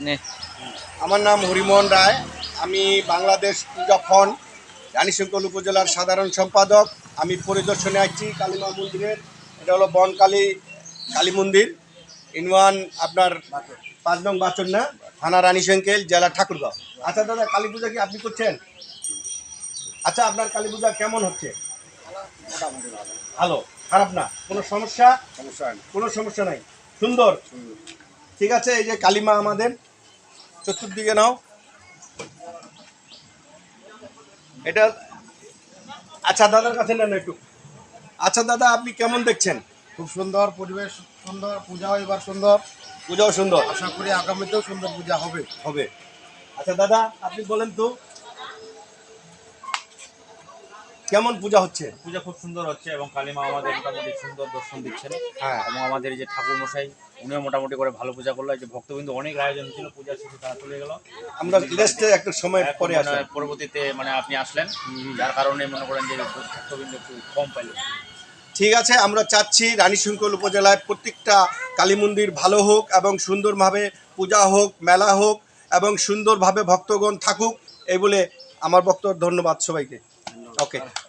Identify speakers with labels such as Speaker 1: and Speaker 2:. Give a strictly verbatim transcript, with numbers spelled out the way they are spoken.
Speaker 1: আমার নাম হরিমোহন রায়। আমি বাংলাদেশ পূজা ফন্ড রানীশঙ্কর উপজেলার সাধারণ সম্পাদক। আমি পরিদর্শনে আসছি কালীমা মন্দিরের। এটা হলো বনকালী কালী মন্দির, ইনওয়ান আপনার পাঁচ নং বাচন না, থানা রানীশঙ্কেল, জেলা ঠাকুরগাঁও। আচ্ছা দাদা, কালী পূজা কি আপনি করছেন? আচ্ছা, আপনার কালী পূজা কেমন হচ্ছে? ভালো, খারাপ না, কোনো সমস্যা? সমস্যা কোনো সমস্যা নাই, সুন্দর। ঠিক আছে, এই যে কালীমা আমাদের চতুর্দিকে নাও এটা। আচ্ছা দাদার কাছে নেন একটু। আচ্ছা দাদা, আপনি কেমন দেখছেন?
Speaker 2: খুব সুন্দর পরিবেশ, সুন্দর পূজাও এবার সুন্দর,
Speaker 1: পূজাও সুন্দর,
Speaker 2: আশা করি আগামীতেও সুন্দর পূজা হবে
Speaker 1: হবে। আচ্ছা দাদা, আপনি বলেন তো কেমন পূজা হচ্ছে?
Speaker 3: পূজা খুব সুন্দর হচ্ছে এবং কালীমা আমাদের মোটামুটি সুন্দর দর্শন দিচ্ছেন।
Speaker 1: হ্যাঁ,
Speaker 3: এবং আমাদের এই যে ঠাকুর মশাই, উনিও মোটামুটি করে ভালো পূজা করলো। এই যে ভক্তবিন্দু অনেক আয়োজন ছিল, পূজার শেষে তারা চলে গেল।
Speaker 1: আমরা রেস্টে একটু সময়
Speaker 3: এখন
Speaker 1: পরে
Speaker 3: মানে
Speaker 1: আসলাম।
Speaker 3: পরবর্তীতে মানে আপনি আসলেন, যার কারণে মনে করেন যে ভক্তবিন্দু একটু কম পাইল।
Speaker 1: ঠিক আছে, আমরা চাচ্ছি রানীশঙ্কর উপজেলায় প্রত্যেকটা কালী মন্দির ভালো হোক এবং সুন্দরভাবে পূজা হোক, মেলা হোক এবং সুন্দরভাবে ভক্তগণ থাকুক, এই বলে আমার বক্তব্য। ধন্যবাদ সবাইকে। ওকে।